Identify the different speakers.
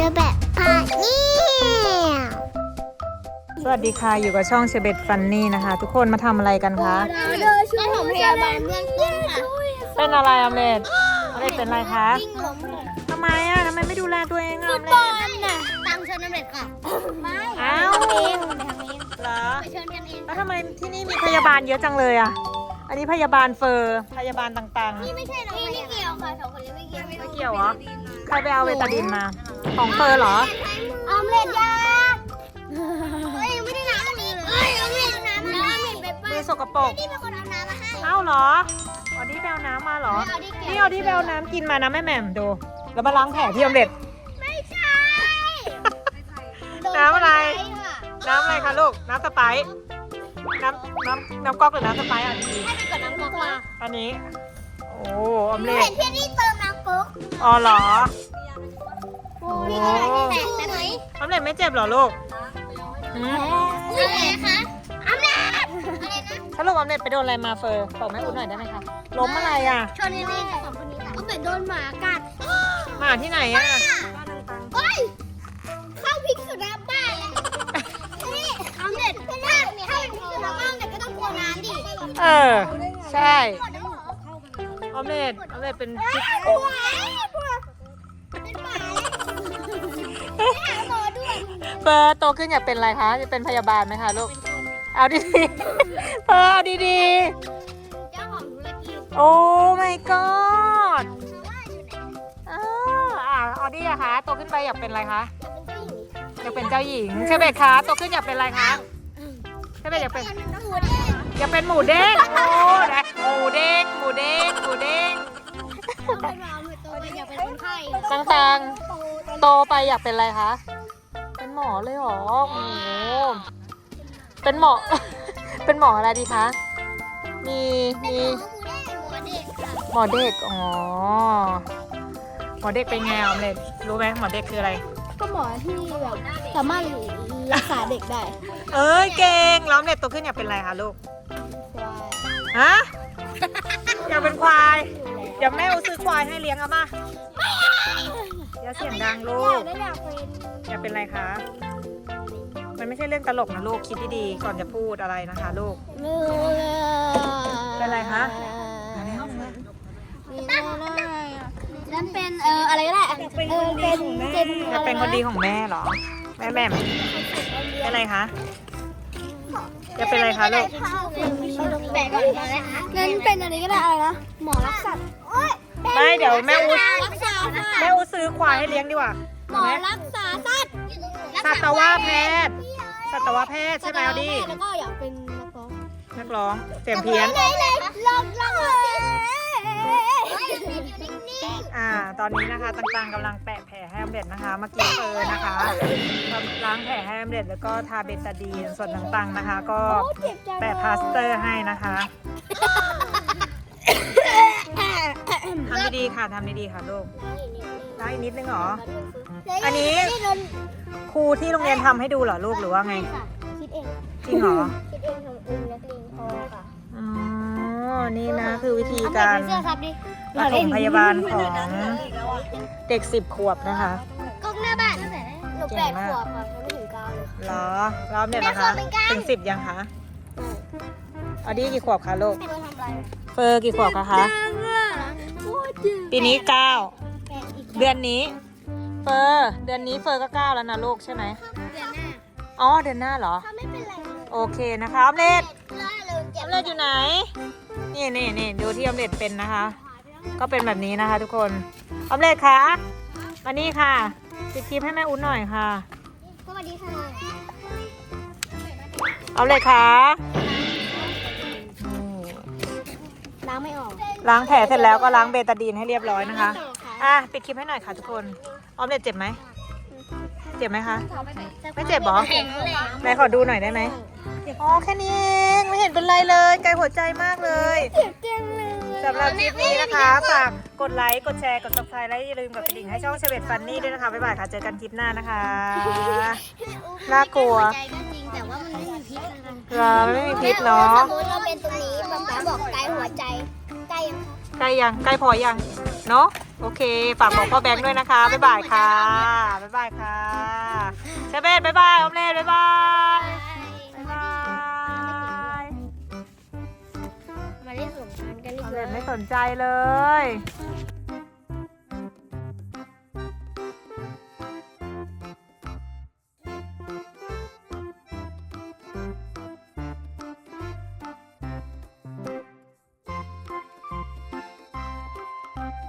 Speaker 1: แบบพาเนี่ย
Speaker 2: สวัสดีค่ะอยู่กับช่องเชเบตฟันนี่นะคะ ทุกคนมาทำอะไรกันคะ
Speaker 1: ช่วยผมพยาบาลเบื้องต้นค่ะ
Speaker 2: เป็นอะไรออมเล็ตเป็นอะไรคะ
Speaker 1: วิ่งล้มเลย
Speaker 2: ทำไมไม่ดูแลตัวเองออม
Speaker 1: บ
Speaker 2: เล็
Speaker 1: อ
Speaker 2: ต
Speaker 1: ลน่ะตังเชิญน้ำเด็ดค่ะไม่
Speaker 2: อ้าว
Speaker 1: ทำเองทำเอง
Speaker 2: เหรอ
Speaker 1: ไปเชิญกันเอง
Speaker 2: แล้วทำไมที่นี่มีพยาบาลเยอะจังเลยอ่ะอันนี้พยาบาลเฟอร์พยาบาลต่าง
Speaker 1: นี่ไม่ใช่เราไม่เกี่ยวค่ะสองคนนี้ไม่เกี่ยว
Speaker 2: ๆไม่เกี่ยวเหรอใครไปเอาเวตาดินมาของเฟอร์เหรอ
Speaker 1: ออมเล็ตยาเฮ้ยไม่ได้น้ำเลยเฮ้ยออมเล็ตน้ำไปป้า
Speaker 2: ดูสกปรก
Speaker 1: นี่เป็นคนเอาน้ำมาให้
Speaker 2: เอ้าเหรอออดี้ไปเอาน้ำมาเหรอ
Speaker 1: ไม่เอาดิแกะ
Speaker 2: นี่ออดี้ไปเอาน้ำกินมานะแม่แหม่มดูแล้วมาล้างแผลที่ออมเล็ต
Speaker 1: ไม่ใช่
Speaker 2: น้ำอะไร
Speaker 1: โดนค่ะ
Speaker 2: น้ำอะไรคะลูก น้ำสไปซ์น้ำก๊อกหรือน้ำสไปซ์อันนี้
Speaker 1: ให้ไปกดน้ำก๊อกมา
Speaker 2: อันนี้ โอ้ออมเล็
Speaker 1: เห็
Speaker 2: ต
Speaker 1: นพี่นี่เติมน้ำก๊อก
Speaker 2: อ๋อเหรอ
Speaker 1: นี่ก็ได้แตกแต่ไหน
Speaker 2: ออมเล็ตไม่เจ็บเหรอลูกหืม
Speaker 1: อะไรคะอำนาจอะไรนะ
Speaker 2: ถ้าลูกออมเล็ตไปโดนอะไรมาเฟอร์บอกแม่อุ้นหน่อยได้ไหมคะล้มอะไรอ่ะ
Speaker 1: ชนนี่สองคนนี้ก็เป็นโดนหมากัด
Speaker 2: หมาที่ไหนอ่ะ
Speaker 1: เฮ้ยเข้าพิษสุนัขบ้านเลยนี่อำนาจถ้าเป็นพิษสุนัขบ้านแต่ก็ต้องกลัวน้ำดิ
Speaker 2: เออ ใช่ออมเล็ตเป็นพิษ
Speaker 1: กลัวเป็นหมาเลยไปหาหมอด้วย
Speaker 2: เฟอร์โตขึ้นอยากเป็นอะไรคะจะเป็นพยาบาลไหมคะลูก เอาดีๆเฟอร์เอาดี
Speaker 1: เจ้าของธุรกิจ
Speaker 2: ๆโอ้ my god ออดี้อะคะโตขึ้นไปอยากเป็นอะไรคะอยากเป็นเจ้าหญิงเชเบตคะโตขึ้นอยากเป็นอะไรคะเชเบตอยากเป็นหมูเด้งโอ้นะหมูเด้ง
Speaker 1: อยากเป็นคนไข้
Speaker 2: ต่างๆโตไปอยากเป็นอะไรคะเป็นหมอเลยเหรอโอ้โหเป็นหมอ เป็นหมออะไรดีคะมีหมอเด็กอ๋อหมอเด็กเป็นไงออมเล็ตรู้ไหมหมอเด็กคืออะไร
Speaker 1: ก็หมอที่แบบสามารถรักษาเด็กได้
Speaker 2: เอ้ยเก่งแล้วออมเล็ตโตขึ้นอยากเป็นอะไรคะลูก ฮะ อยากเป็นควาย เดี๋ยวแม่เอาซื้อควายให้เลี้ยงเอามาอย่าเสียงดังลูก อยากเป็นอะไรคะ มันไม่ใช่เรื่องตลกนะลูก คิดดีๆก่อนจะพูดอะไรนะคะลูก เป็นอะไรคะ
Speaker 1: นั่นเป็นอะไรก็ได้เป็นเจน
Speaker 2: อยากเป็นคนดีของแม่เหรอ แม่เป็นอะไรคะ อยากเป็นอะไรคะลูก
Speaker 1: แบกก่อนเลยค่ะงั้นเป็นอะไรก็ได้อะไรนะหมอรักสัตว์
Speaker 2: ไม่เดี๋ยวแม่อู
Speaker 1: รักษาสัตว์
Speaker 2: แม่อูซื้อควายให้เลี้ยงดีกว่า
Speaker 1: หมอรักษาสัตว์
Speaker 2: สัตวแพทย์ใช่ไหมเอาดิ
Speaker 1: แล้วก็อยากเป็นนักร้อง
Speaker 2: นักร้องเสียงเพี้ยน
Speaker 1: ลอง
Speaker 2: ตอนนี้นะคะต่างๆกำลังแปะแผลให้ออมเล็ตนะคะเมื่อกี้เฟอร์นะคะล้างแผลให้ออมเล็ตแล้วก็ทาเบตาดีนส่วนต่างๆนะคะ ก็แปะพลาสเตอร์ให้นะคะทำดีๆค่ะลูกล้างอีกนิดนึงเหรอ อันนี้ครูที่โรงเรียนทำให้ดูเหรอลูกหรือว่าไง
Speaker 1: คิดเอง
Speaker 2: จริงเหรอ
Speaker 1: คิดเองทำเองนักเลงพอค่ะ
Speaker 2: อ๋อนี่นะคือวิธีการ
Speaker 1: เสื้อครับดิ
Speaker 2: ปฐมพยาบาลของเด็ก10 ขวบนะคะ
Speaker 1: กล้องหน้าบ้านตั้งแต่หนู8 ขวบค่ะยังไม่ถึง9เลย
Speaker 2: เหรอรอบเนี่ยนะคะถึง10ยังคะออดี้กี่ขวบคะลูก
Speaker 1: ไม่รู้ทำอะไร
Speaker 2: เฟอร์กี่ขวบคะปีนี้9
Speaker 1: แกะอีก
Speaker 2: เดือนนี้เดือนนี้เฟอร์ก็9แล้วนะลูกใช่ไหม
Speaker 1: เดือนหน้า
Speaker 2: อ๋อเดือนหน้าเหรอ
Speaker 1: ถ้าไม่เป็นไรเลย
Speaker 2: โอเคนะคะออมเล็ต
Speaker 1: ล่าเริง
Speaker 2: อ
Speaker 1: เจ็
Speaker 2: อบ มเล็ตอยู่ไหนนี่ดูที่ออมเล็ตเป็นนะคะ ก็เป็นแบบนี้นะคะ ทุกคนออมเล็ตคะมานี่ค่ะปิดคลิปให้แม่อุ้นหน่อยค่ะ
Speaker 1: สวัสดีค่ะ
Speaker 2: ออมเล็ตคะ
Speaker 1: ล้างไม่ออก
Speaker 2: ล้างแผลเสร็จแล้วก็ล้างเบตาดีนให้เรียบร้อยนะคะปิดคลิปให้หน่อยค่ะทุกคนออมเล็ตเจ็บไหมเจ็บไหมคะ ไม่เจ็บเหรอ
Speaker 1: แข็งแรง
Speaker 2: ไหนขอดูหน่อยได้ไหมอ๋อแค่นี้เองไม่เห็นเป็นไรเลยไกลหัวใจมากเลย
Speaker 1: เจ็บจังเลย
Speaker 2: สำหรับคลิปนี้นะคะฝากกดไลค์กดแชร์กด subscribe และอย่าลืมกดกระดิ่งให้ช่องเชเวตฟันนี่ด้วยนะคะบ๊ายบายค่ะเจอกันคลิปหน้านะคะ น่ากลัว
Speaker 1: ใจก็จริงแต่ว่ามันไม่มีพิษอะไร
Speaker 2: เราไม่มีพิษเนาะ
Speaker 1: สมมติเราเป็นตรงนี้ป๊าบอกไกลหัวใจใกล้ยังคะ
Speaker 2: ใกล้ยังใกล้พอยังเนาะโอเคฝากบอกพ่อแบงค์ด้วยนะคะบ๊ายบายค่ะบ๊ายบายค่ะเชเบตบ๊ายบายออมเล่บ๊ายบายบ๊ายบาย
Speaker 1: มาเล่นสงกรานต์กันดี
Speaker 2: ออม
Speaker 1: ก
Speaker 2: เล่
Speaker 1: ว่า
Speaker 2: ไม่สนใจเลย